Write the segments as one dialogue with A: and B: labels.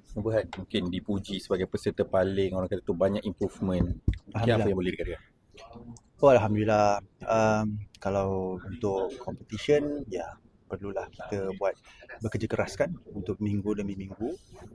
A: Nubuhat mungkin dipuji sebagai peserta paling, orang kata tu banyak improvement. Mungkin apa
B: Alhamdulillah.
A: yang boleh dikatakan?
B: Oh, Alhamdulillah. Kalau untuk competition, ya perlulah kita bekerja keras kan untuk minggu demi minggu.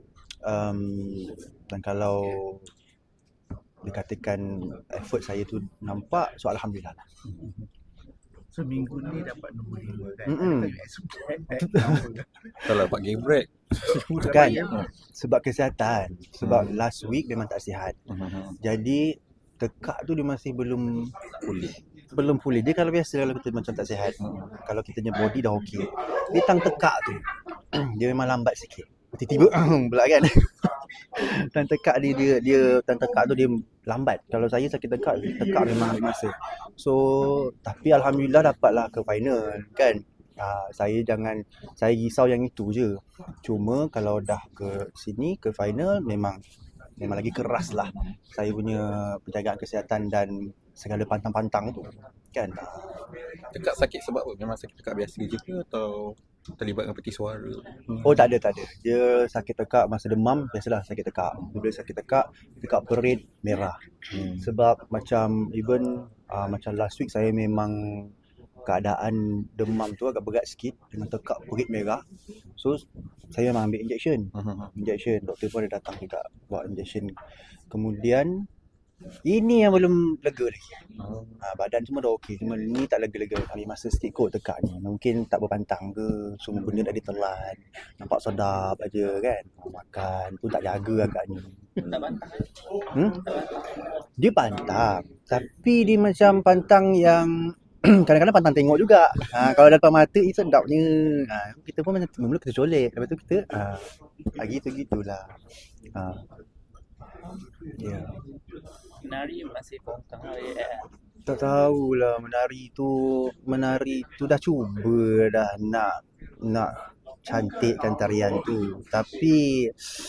B: Dan kalau dikatakan effort saya tu nampak, so Alhamdulillah lah.
C: So minggu ni dapat nombor 5 kan.
B: Mm-mm.
C: Adakah you expect apa?
A: Kalau dapat game break.
B: Kan sebab kesihatan. Sebab last week memang tak sihat.
A: Mhm.
B: Jadi tekak tu dia masih belum pulih. Dia kalau biasa kalau kita macam tak sihat, kalau kita punya body dah okey, dia tang tekak tu dia memang lambat sikit. Tiba-tiba pula kan. Tang tekak dia tang tekak tu dia lambat. Kalau saya sakit tekak memang ambil masa. So tapi alhamdulillah dapatlah ke final kan. Saya risau yang itu je. Cuma kalau dah ke sini ke final memang lagi keras lah saya punya penjagaan kesihatan dan segala pantang-pantang tu kan.
A: Tekak sakit sebab apa? Memang sakit tekak biasa je ke atau terlibat dengan peti suara?
B: Oh tak ada. Dia sakit tekak masa demam, biasalah sakit tekak. Bila sakit tekak perut merah. Sebab macam even macam last week saya memang keadaan demam tu agak berat sikit dengan tekak perut merah. So saya memang ambil injection. Doktor pun ada datang juga buat injection. Kemudian ini yang belum lega lagi. Badan semua dah okey, cuma ni tak lega-lega. Ambil masa sikit kot tekak ni. Mungkin tak berpantang ke, semua benda dah ditelan. Nampak sedap aja kan. Makan pun tak jaga agaknya.
C: Tak bantang.
B: Dia pantang, tapi dia macam pantang yang kadang-kadang pantang tengok juga. Kalau depan mata sedapnya. Kita pun macam mula kita colek, lepas tu kita gitulah. Ya.
C: Menari masih pantang lah.
B: Tak tahulah menari tu dah cuba dah nak cantikkan tarian tu, tapi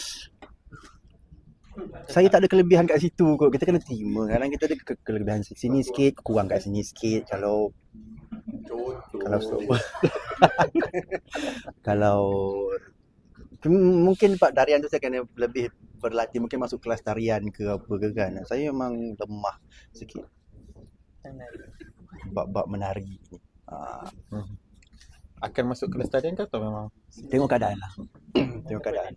B: saya tak ada kelebihan kat situ kot. Kita kena terima. Kadang kita ada kelebihan sini sikit, kurang kat sini sikit. Kalau mungkin Pak tarian tu saya kena lebih berlatih, mungkin masuk kelas tarian ke apa ke kan. Saya memang lemah sikit bab menari ni.
A: Akan masuk kelas tarian ke atau memang?
B: Tengok keadaan lah. Tengok keadaan.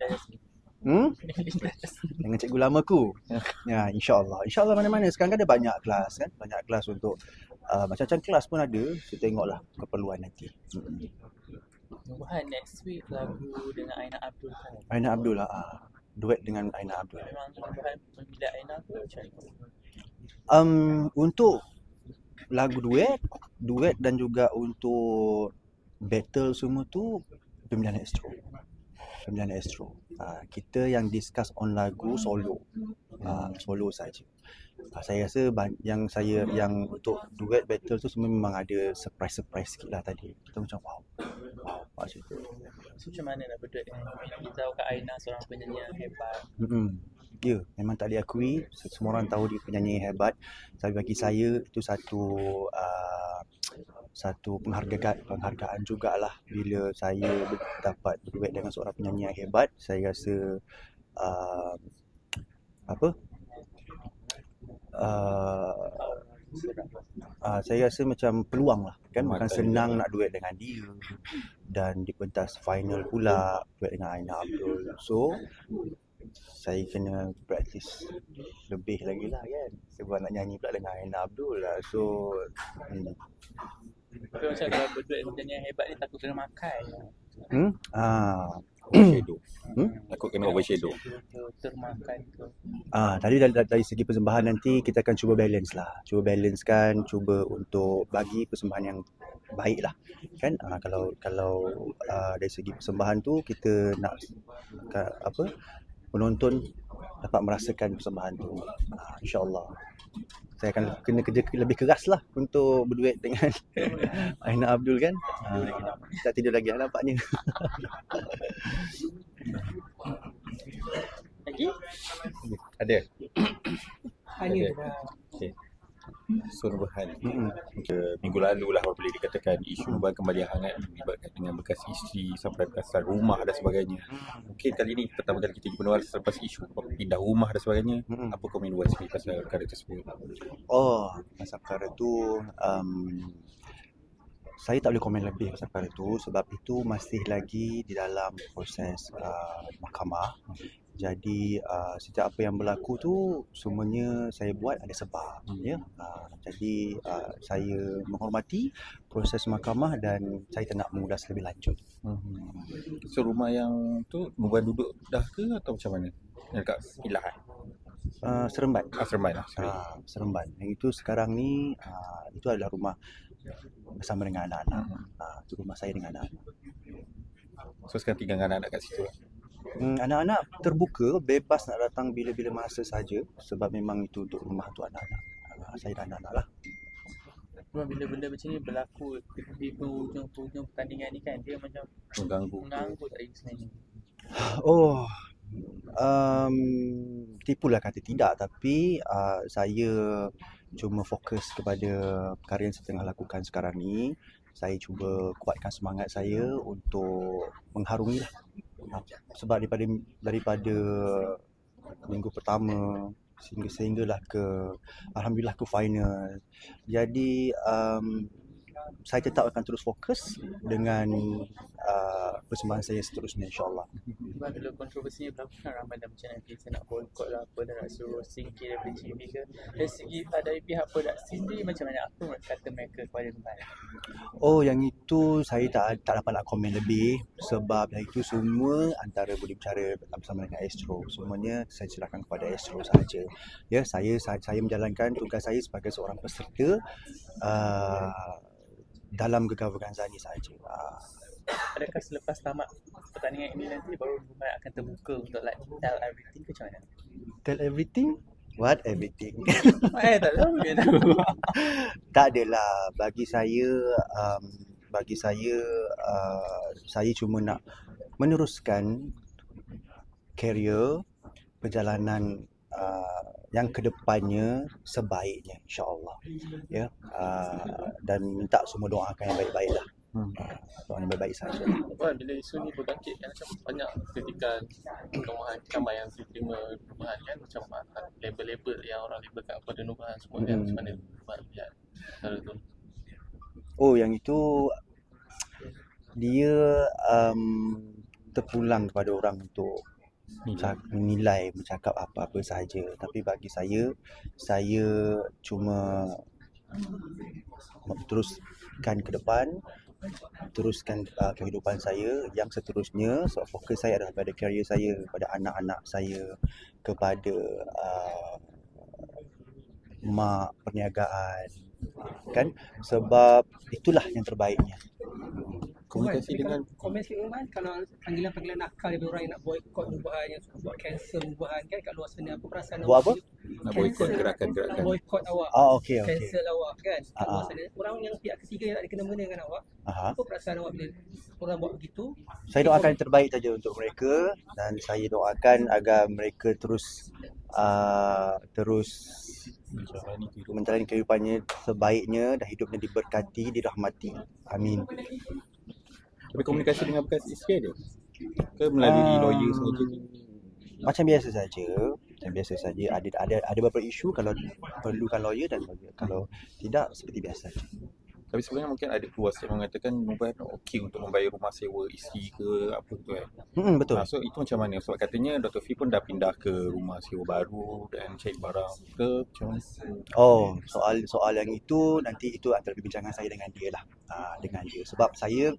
B: Dengan cikgu lama ku. Ya, insya-Allah. Insya-Allah mana-mana sekarang kan ada banyak kelas kan. Banyak kelas untuk macam-macam kelas pun ada. Kita tengoklah keperluan nanti.
C: Nubuhan next week lagu dengan Aina Abdul kan.
B: Aina Abdul lah. Duet dengan Aina Abdul.
C: Memang Nubuhan memilih Aina ke macam mana?
B: Untuk lagu duet dan juga untuk battle semua tu Pemilihan Astro. Kita yang discuss on lagu solo. Solo saja. Saya rasa yang untuk duet battle tu semua memang ada surprise sikit lah tadi. Kita macam wow macam tu.
C: So macam mana nak berduet dengan kita tahu Kak Aina seorang penyanyi yang hebat.
B: Ya, memang tak diakui. Semua orang tahu dia penyanyi yang hebat. Tapi bagi saya itu satu penghargaan jugalah bila saya dapat berduet dengan seorang penyanyi yang hebat. Saya rasa saya rasa macam peluang lah kan, bukan senang nak duet dengan dia dan di pentas final pula duet dengan Aina Abdul. So saya kena praktis lebih lagi lah kan, sebab nak nyanyi pula dengan Aina Abdul lah. So
C: tapi macam kalau berduet dengan penyanyi yang hebat ni takut kena makan.
A: Overshadow. Takut kena overshadow.
C: Termakan ke.
B: Tadi dari segi persembahan nanti kita akan cuba balancekan, cuba untuk bagi persembahan yang baik lah kan. Kalau dari segi persembahan tu kita nak penonton dapat merasakan persembahan tu. InsyaAllah saya akan kena kerja lebih keras lah untuk berduet dengan Aina Abdul kan. Tak tidur lagi nampaknya.
C: Lagi?
A: Ada?
C: Hanya
A: Okay. So Nurhan,
B: Mm-mm.
A: minggu lalu lah apabila dikatakan isu Nubuhan kembali hangat melibatkan dengan bekas isteri sampai pasal rumah dan sebagainya. Mungkin kali ni pertama kali kita jumpa Nubuhan selepas isu pindah rumah dan sebagainya.
B: Mm-mm.
A: Apa komen Nubuhan sendiri pasal perkara tersebut?
B: Oh, pasal perkara tu saya tak boleh komen lebih pasal perkara tu sebab itu masih lagi di dalam proses mahkamah. Jadi setiap apa yang berlaku tu semuanya saya buat ada sebab ya. Jadi saya menghormati proses mahkamah dan saya tak nak mengulas lebih lanjut.
A: So rumah yang tu Nubuhan duduk dah ke atau macam mana? Yang dekat Pilahan?
B: Seremban.
A: Seremban lah.
B: Seremban. Yang itu sekarang ni itu adalah rumah bersama dengan anak-anak. Itu rumah saya dengan anak-anak.
A: So sekarang tinggal dengan anak-anak kat situ lah.
B: Anak-anak terbuka, bebas nak datang bila-bila masa saja sebab memang itu untuk rumah untuk anak-anak. Saya dan anak-anak lah.
C: Cuma bila benda macam ni berlaku di penghujung pertandingan ni kan, dia macam mengganggu tak sebenarnya.
B: Oh, tipulah kata tidak, tapi saya cuma fokus kepada perkara yang saya tengah lakukan sekarang ni. Saya cuba kuatkan semangat saya untuk mengharungi lah. Sebab daripada minggu pertama sehinggalah alhamdulillah ke final. Jadi saya tetap akan terus fokus dengan persembahan saya seterusnya, insyaAllah.
C: Sebab bila kontroversi berlaku kan ramai dah macam nanti saya nak boycott lah apa, dah nak suruh singkir daripada TV ke. Dari segi dari pihak produksi sendiri macam mana, apa kata mereka kepada Nubuhan?
B: Oh, yang itu saya tak dapat nak komen lebih sebab yang itu semua antara boleh bicara bersama dengan Astro. Semuanya saya serahkan kepada Astro sahaja. Ya, saya menjalankan tugas saya sebagai seorang peserta dalam Gegar Vaganza ni sahaja.
C: Adakah selepas tamat pertandingan ini nanti baru Nubuhan akan terbuka untuk tell everything ke macam mana?
B: Tell everything? What everything?
C: Tak tahu dia tahu.
B: Tak adalah. Bagi saya saya cuma nak meneruskan karier perjalanan yang kedepannya sebaiknya, insyaAllah. Ya, dan minta semua doakan yang baik-baik lah. Doa yang baik-baik saja.
D: Kan bila isu ni berbangkit kan, macam banyak kritikan kamar yang diterima Nubuhan kan, macam label-label yang orang labelkan kepada Nubuhan semua kan, macam mana Nubuhan lihat cara tu?
B: Oh, yang itu dia terpulang kepada orang untuk menilai, bercakap apa-apa sahaja. Tapi bagi saya cuma teruskan ke depan, teruskan kehidupan saya yang seterusnya. So fokus saya adalah pada karier saya, kepada anak-anak saya, kepada mak perniagaan kan, sebab itulah yang terbaiknya.
A: Komunikasi dengan
E: komen sikit Nubuhan, kalau panggilan-panggilan nakal daripada orang yang nak boycott Nubuhan, yang suka buat cancel Nubuhan kan kat luar sana, apa perasaan
B: Buat apa?
A: nak boycott gerakan-gerakan.
E: boycott awak,
B: Okey.
E: cancel awak kan kat luar sana, orang yang pihak ketiga yang tak dikena-mengena dengan awak. Apa perasaan awak bila orang buat begitu?
B: Saya doakan yang terbaik saja untuk mereka dan saya doakan agar mereka terus menjalani kehidupannya sebaiknya dan hidupnya diberkati, dirahmati. Amin.
A: Tapi komunikasi dengan bekas isteri ada? Ke melalui lawyer sahaja?
B: Macam biasa saja. Ada beberapa isu kalau perlukan lawyer dan lawyer. Kalau tidak, seperti biasa.
A: Tapi sebenarnya mungkin ada keluar yang mengatakan Nubuhan okey untuk membayar rumah sewa isteri ke apa tu kan.
B: Betul.
A: So itu macam mana? Sebab katanya Dr. Fee pun dah pindah ke rumah sewa baru dan cari barang ke macam mana?
B: Oh, soal yang itu nanti itu antara perbincangan saya dengan dia lah. Dengan dia. Sebab saya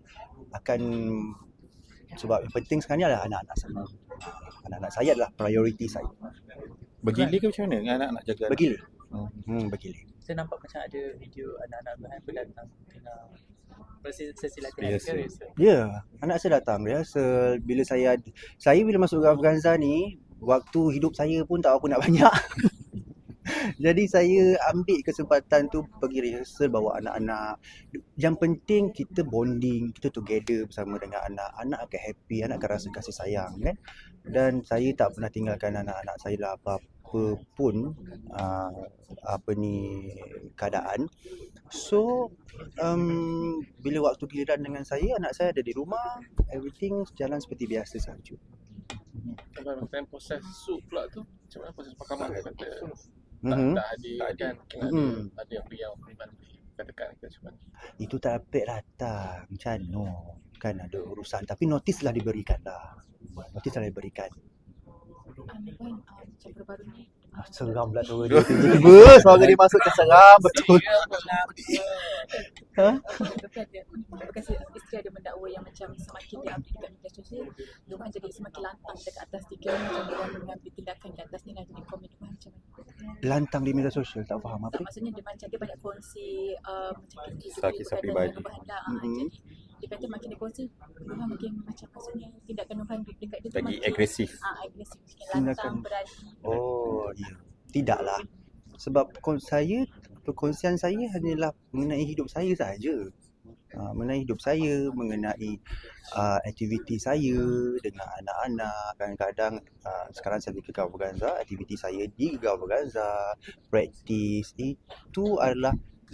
B: sebab yang penting sekarang ni adalah anak-anak saya. Anak-anak saya adalah prioriti saya.
A: Bergilir ke macam mana dengan anak-anak jaga?
B: Bergilir. Bergilir.
C: Saya nampak macam ada video anak-anak Nubuhan pun datang tengah sesi latihan ke rehearsal.
B: Ya, anak saya datang rehearsal. Bila saya masuk Gegar Vaganza ni, waktu hidup saya pun tak apa nak banyak. Jadi saya ambil kesempatan tu pergi rehearsal, bawa anak-anak. Yang penting kita bonding, kita together bersama dengan anak. Anak akan happy, anak akan rasa kasih sayang kan. Dan saya tak pernah tinggalkan anak-anak saya lah apa pun keadaan. So bila waktu giliran dengan saya, anak saya ada di rumah, everything jalan seperti biasa sahaja.
D: Kalau dengan proses sup pula tu, macam mana proses pakaman tu kata
B: Mhm.
D: tak hadir kan? Ada yang beri katakan ke macam mana?
B: Itu tak dapat datang. Macam mana? Kan ada urusan. Tapi notis lah diberikan dah. Notis lah diberikan.
F: Macam baru ni
B: Seram pula suara dia. Tiba-tiba suara dia masuk ke seram. Betul. Ha?
F: bekas isteri ada mendakwa yang macam semakin dia update dekat media sosial, Lumahan jadi semakin lantang dekat atas dia, macam dia mengambil tindakan di atas ni, nak jadi komen Lumahan macam mana?
B: Lantang di media sosial. Tak faham apa
F: Tak,
B: dia.
F: maksudnya dia macam dia banyak kongsi macam
A: Kisah peribadi.
F: Lumahan lah. Jadi dia kata makin dia kongsi, Lumahan makin macam maksudnya tindakan Lumahan dekat dia tu
A: Lagi
F: makin
A: agresif.
F: agresif, makin lantang,
B: Tindakan-
F: berani.
B: Oh, ya. Tidaklah. Sebab perkongsian saya hanyalah mengenai hidup saya sahaja. Mengenai hidup saya, mengenai aktiviti saya dengan anak-anak. Kadang-kadang sekarang saya di Gegar Organza, aktiviti saya di Gegar Organza, praktis, itu adalah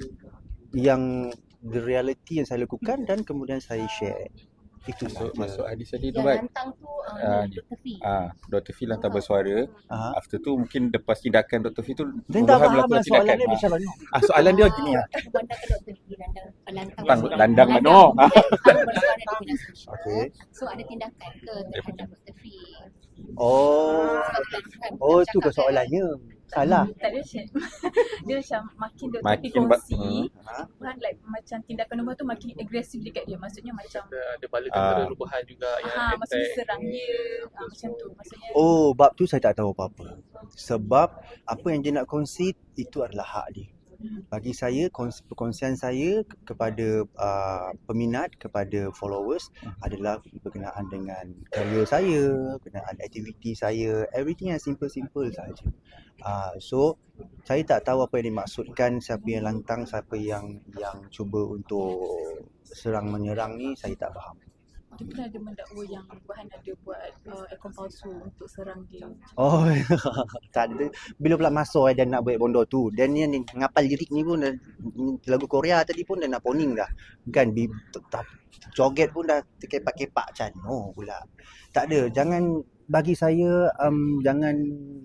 B: yang the reality yang saya lakukan dan kemudian saya share. Itu
A: Masuk
B: sahaja.
A: hadis tadi tu,
G: Yang
A: Bat.
G: lantang tu Dr. Fi.
A: Dr. Fi lantar bersuara.
B: Ah.
A: After tu mungkin lepas tindakan Dr. Fi tu
B: Dan tak
A: Lumahan
B: faham
A: melakukan
B: lah soalan
A: tindakan.
B: dia macam mana.
A: Soalan dia gini lah.
G: Pandangkan Dr. Fi lantang
A: Landang mano.
G: bersuara di media sosial.
B: Okey.
G: So ada tindakan ke terhadap Dr. Fi?
B: Oh, tu ke soalannya. Salah.
F: Tak ada macam dia macam makin dia
A: Makin
F: kongsi,
B: Ha?
F: Lumahan like macam tindakan Lumahan tu makin agresif dekat dia. Maksudnya macam
D: Ada bala tentera Lubahan juga yang
F: maksudnya
D: attack.
F: serang dia macam tu. Maksudnya
B: Oh, bab tu saya tak tahu apa-apa. Sebab apa yang dia nak kongsi itu adalah hak dia. Bagi saya, perkongsian saya kepada peminat, kepada followers adalah berkenaan dengan karya saya, berkenaan aktiviti saya, everything yang simple-simple sahaja. So, saya tak tahu apa yang dimaksudkan, siapa yang lantang, siapa yang cuba untuk serang menyerang ni, saya tak faham.
F: dia pernah ada mendakwa yang Lumahan ada buat akaun palsu untuk serang dia.
B: Oh, tak ada. Bila pula masuk dan nak buat bondo tu. Dan ni ngapal lirik ni pun lagu Korea tadi pun dah nak poning dah. Kan joget pun dah terkepak-kepak macam no pula. Tak ada. Jangan bagi saya jangan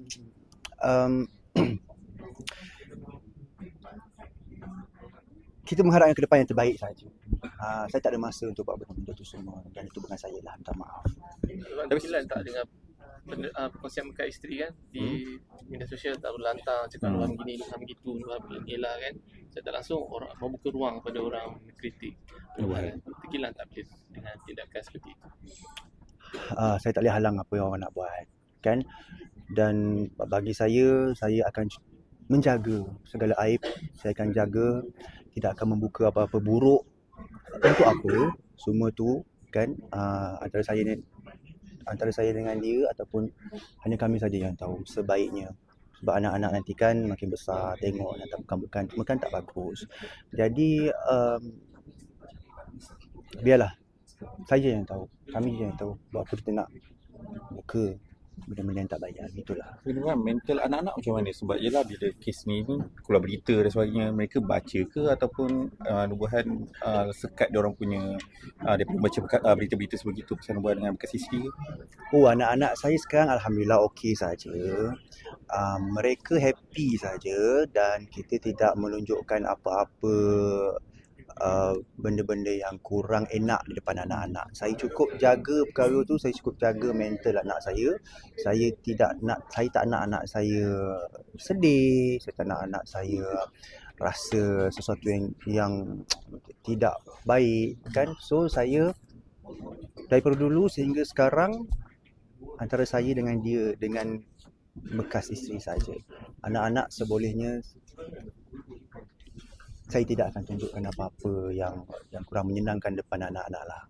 B: kita mengharapkan ke depan yang terbaik saja. Saya tak ada masa untuk buat benda-benda tu semua dan itu bukan saya lah, minta maaf.
D: Tapi Silan tak dengan perkongsian dekat isteri kan di media sosial tak berlantang cakap Lubahan begini, Lubahan begitu, Lubahan begini lah kan. Saya tak langsung orang membuka ruang pada orang kritik Lubahan. Tekilan tak boleh dengan tindakan seperti itu.
B: Saya tak boleh halang apa yang orang nak buat kan. Dan bagi saya akan menjaga segala aib. Saya akan jaga, tidak akan membuka apa-apa buruk. Untuk apa? Semua tu kan antara saya dengan dia ataupun hanya kami saja yang tahu sebaiknya. Sebab anak-anak nanti kan makin besar, tengok yang tak bukan semua kan tak bagus. Jadi biarlah saya yang tahu, kami je yang tahu buat apa kita nak buka benda-benda yang tak baik. Itulah.
A: Tapi kan mental anak-anak macam mana? Sebab yelah bila kes ni keluar berita dan sebagainya, mereka baca ke ataupun Nubuhan sekat dia orang punya daripada baca berita-berita sebegitu pasal Nubuhan dengan bekas isteri ke?
B: Oh, anak-anak saya sekarang alhamdulillah okey saja. Mereka happy saja dan kita tidak menunjukkan apa-apa benda-benda yang kurang enak di depan anak-anak. Saya cukup jaga perkara tu, saya cukup jaga mental anak saya. Saya tak nak anak saya sedih, saya tak nak anak saya rasa sesuatu yang tidak baik kan. So saya daripada dulu sehingga sekarang antara saya dengan dia, dengan bekas isteri saja. Anak-anak sebolehnya saya tidak akan tunjukkan apa-apa yang kurang menyenangkan depan anak-anak lah.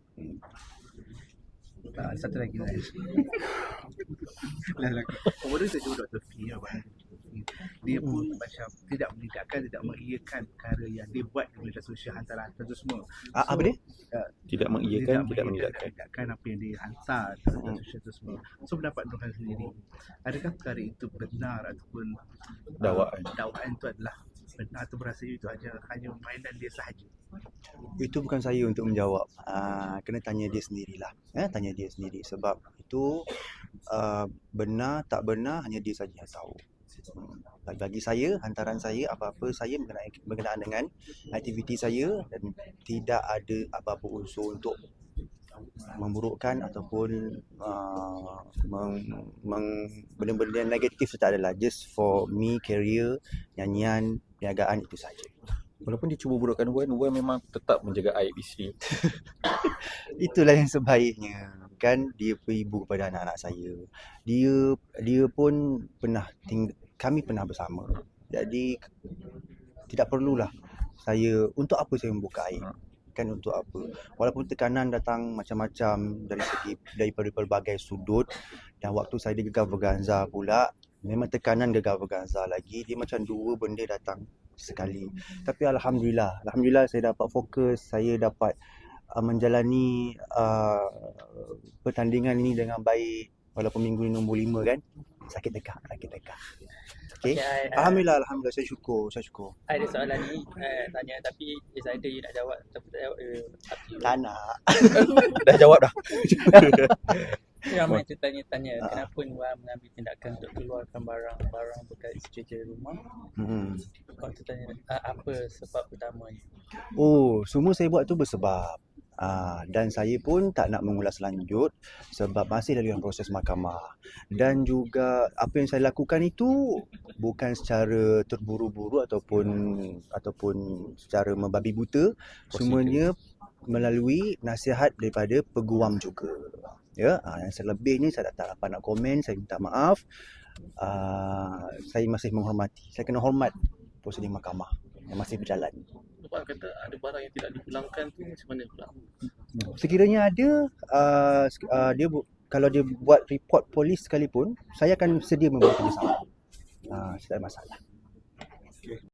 H: Satu lagi lah. Baru saja Dr. Fi dia pun macam tidak menidakkan, tidak mengiyakan perkara yang dia buat di media sosial hantar-hantar tu semua.
B: Apa dia?
A: Tidak mengiyakan, tidak menidakkan.
H: Apa yang dia hantar di media sosial tu semua. So pendapat Nurhan sendiri, adakah perkara itu benar ataupun dakwaan itu adalah benar atau berasanya itu hanya mainan dia sahaja?
B: Itu bukan saya untuk menjawab. Kena tanya dia sendirilah. Tanya dia sendiri sebab itu benar tak benar hanya dia saja yang tahu. Bagi saya, hantaran saya, apa-apa saya berkenaan dengan aktiviti saya dan tidak ada apa-apa unsur untuk memburukkan ataupun benda-benda yang negatif tak adalah. Just for me, career, nyanyian, perniagaan itu saja.
A: Walaupun dia cuba burukkan Wan memang tetap menjaga aib isteri.
B: Itulah yang sebaiknya. Kan dia ibu kepada anak-anak saya. Dia pun pernah kami pernah bersama. Jadi tidak perlulah untuk apa saya membuka aib. Kan untuk apa? Walaupun tekanan datang macam-macam daripada pelbagai sudut, dan waktu saya di Gegar Verganza pula memang tekanan Gegar Verganza lagi, dia macam dua benda datang sekali. Tapi alhamdulillah saya dapat fokus, saya dapat menjalani pertandingan ini dengan baik walaupun minggu ni nombor 5 kan. Sakit tekak. Okay. Alhamdulillah saya syukur.
C: Ada soalan ni tanya tapi saya ada you nak jawab tapi tak jawab
B: Tak nak.
A: Dah jawab dah.
C: Ramai tu tanya kenapa Nuan mengambil tindakan untuk keluarkan barang-barang bekas isteri rumah. Kau tu tanya apa sebab utamanya?
B: Semua saya buat tu bersebab. Dan saya pun tak nak mengulas lanjut sebab masih dalam proses mahkamah. Dan juga apa yang saya lakukan itu bukan secara terburu-buru ataupun secara membabi buta. Semuanya melalui nasihat daripada peguam juga. Ya, yang selebihnya saya tak dapat nak komen, saya minta maaf. Saya masih menghormati. Saya kena hormat prosedur mahkamah yang masih berjalan.
D: Puan kata ada barang yang tidak dipulangkan tu macam mana pula?
B: Sekiranya ada, kalau dia buat report polis sekalipun, saya akan sedia membuat kerjasama. Tak ada masalah.